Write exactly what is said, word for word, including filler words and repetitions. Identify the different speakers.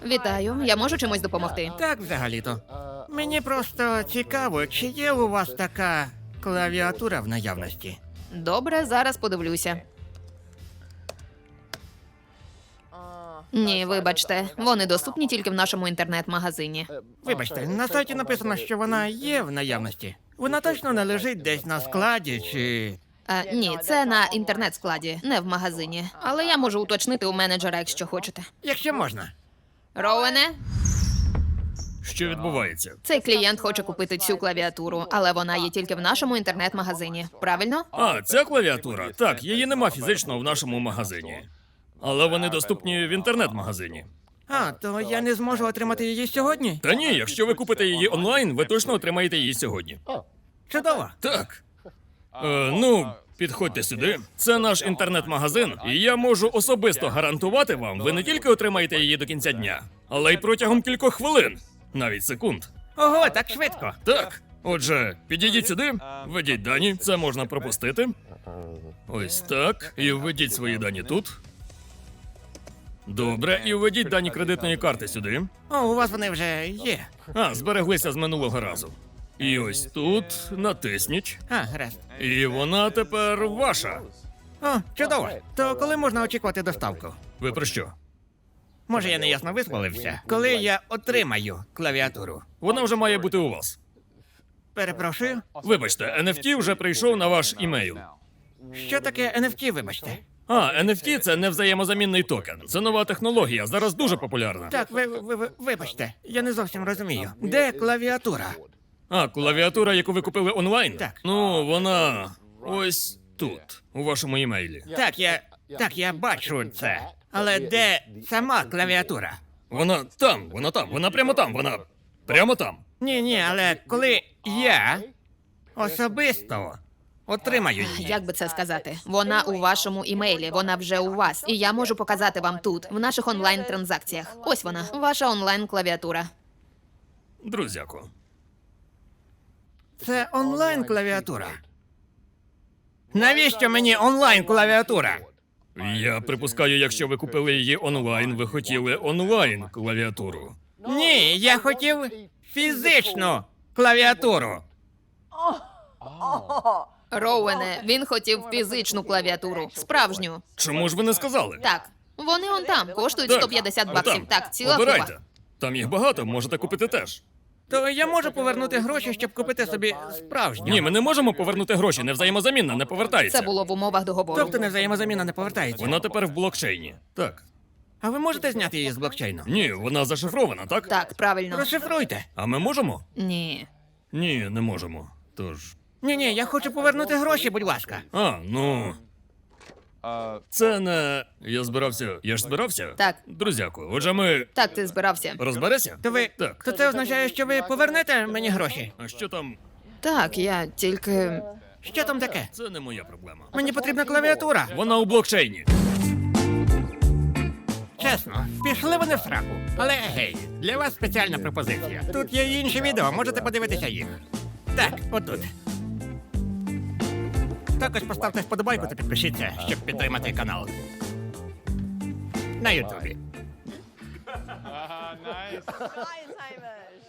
Speaker 1: Вітаю, я можу чимось допомогти?
Speaker 2: Так, взагалі-то. Мені просто цікаво, чи є у вас така клавіатура в наявності?
Speaker 1: Добре, зараз подивлюся. Ні, вибачте, вони доступні тільки в нашому інтернет-магазині.
Speaker 2: Вибачте, на сайті написано, що вона є в наявності. Вона точно не лежить десь на складі чи.
Speaker 1: А, ні, це на інтернет-складі, не в магазині. Але я можу уточнити у менеджера, якщо хочете.
Speaker 2: Якщо можна.
Speaker 1: Роуене,
Speaker 3: Що відбувається?
Speaker 1: цей клієнт хоче купити цю клавіатуру, але вона є тільки в нашому інтернет-магазині. Правильно?
Speaker 3: А, ця клавіатура? Так, її нема фізично в нашому магазині. Але вони доступні в інтернет-магазині.
Speaker 2: А, то я не зможу отримати її сьогодні?
Speaker 3: Та ні, якщо ви купите її онлайн, ви точно отримаєте її сьогодні.
Speaker 2: Чудово.
Speaker 3: Так. Е, ну, підходьте сюди. Це наш інтернет-магазин, і я можу особисто гарантувати вам, ви не тільки отримаєте її до кінця дня, але й протягом кількох хвилин, навіть секунд.
Speaker 2: Ого, так швидко.
Speaker 3: Так. Отже, підійдіть сюди, введіть дані, це можна пропустити. Ось так. І введіть свої дані тут. Добре, і введіть дані кредитної карти сюди.
Speaker 2: О, у вас вони вже є.
Speaker 3: А, збереглися з минулого разу. І ось тут натисніть.
Speaker 2: А, гаразд.
Speaker 3: І вона тепер ваша.
Speaker 2: О, чудово. То коли можна очікувати доставку?
Speaker 3: Ви про що?
Speaker 2: Може, я неясно висловився? Коли я отримаю клавіатуру?
Speaker 3: Вона вже має бути у вас.
Speaker 2: Перепрошую.
Speaker 3: Вибачте, ен еф ті вже прийшов на ваш імейл.
Speaker 2: Що таке ен еф ті, вибачте?
Speaker 3: А, ен еф ті – це невзаємозамінний токен. Це нова технологія, зараз дуже популярна.
Speaker 2: Так, ви, ви, ви вибачте, я не зовсім розумію. Де клавіатура?
Speaker 3: А, клавіатура, яку ви купили онлайн?
Speaker 2: Так.
Speaker 3: Ну, вона ось тут, у вашому імейлі.
Speaker 2: Так, я. Так, я бачу це. Але де сама клавіатура?
Speaker 3: Вона там, вона там, вона прямо там, вона прямо там.
Speaker 2: Ні, ні, але коли я особисто отримаю її.
Speaker 1: Як би це сказати? Вона у вашому імейлі, вона вже у вас. І я можу показати вам тут, в наших онлайн-транзакціях. Ось вона, ваша онлайн-клавіатура.
Speaker 3: Друзяку.
Speaker 2: Це онлайн клавіатура. Навіщо мені онлайн клавіатура?
Speaker 3: Я припускаю, якщо ви купили її онлайн, ви хотіли онлайн клавіатуру.
Speaker 2: Ні, я хотів фізичну клавіатуру.
Speaker 1: Роуене, він хотів фізичну клавіатуру, справжню.
Speaker 3: Чому ж ви не сказали?
Speaker 1: Так, вони он там, коштують
Speaker 3: Так,
Speaker 1: сто п'ятдесят
Speaker 3: а
Speaker 1: баксів.
Speaker 3: там.
Speaker 1: Так, ціла
Speaker 3: Обирайте.
Speaker 1: купа.
Speaker 3: Там їх багато, можете купити теж.
Speaker 2: То я можу повернути гроші, щоб купити собі справжню.
Speaker 3: Ні, ми не можемо повернути гроші, не взаємозамінна, не повертається.
Speaker 1: Це було в умовах договору.
Speaker 2: Тобто невзаємозаміна не повертається.
Speaker 3: Вона тепер в блокчейні. Так.
Speaker 2: А ви можете зняти її з блокчейну?
Speaker 3: Ні, вона зашифрована, так?
Speaker 1: Так, правильно.
Speaker 2: Розшифруйте.
Speaker 3: А ми можемо?
Speaker 1: Ні.
Speaker 3: Ні, не можемо. Тож.
Speaker 2: Ні, ні, я хочу повернути гроші, будь ласка.
Speaker 3: А, ну. Це не. Я збирався. Я ж збирався?
Speaker 1: Так.
Speaker 3: Друзяку, отже, ми.
Speaker 1: Так, ти збирався.
Speaker 3: Розбереся?
Speaker 2: То ви.
Speaker 3: Так.
Speaker 2: То це означає, що ви повернете мені гроші?
Speaker 3: А що там?
Speaker 1: Так, я тільки.
Speaker 2: Що там таке?
Speaker 3: Це не моя проблема.
Speaker 2: Мені потрібна клавіатура.
Speaker 3: Вона у блокчейні.
Speaker 2: Чесно, пішли вони в сраку. Але гей, для вас спеціальна пропозиція. Тут є й інші відео, можете подивитися їх. Так, отут. Також поставте вподобайку та підпишіться, щоб підтримати канал. На Ютубі.
Speaker 4: Hi, Simon.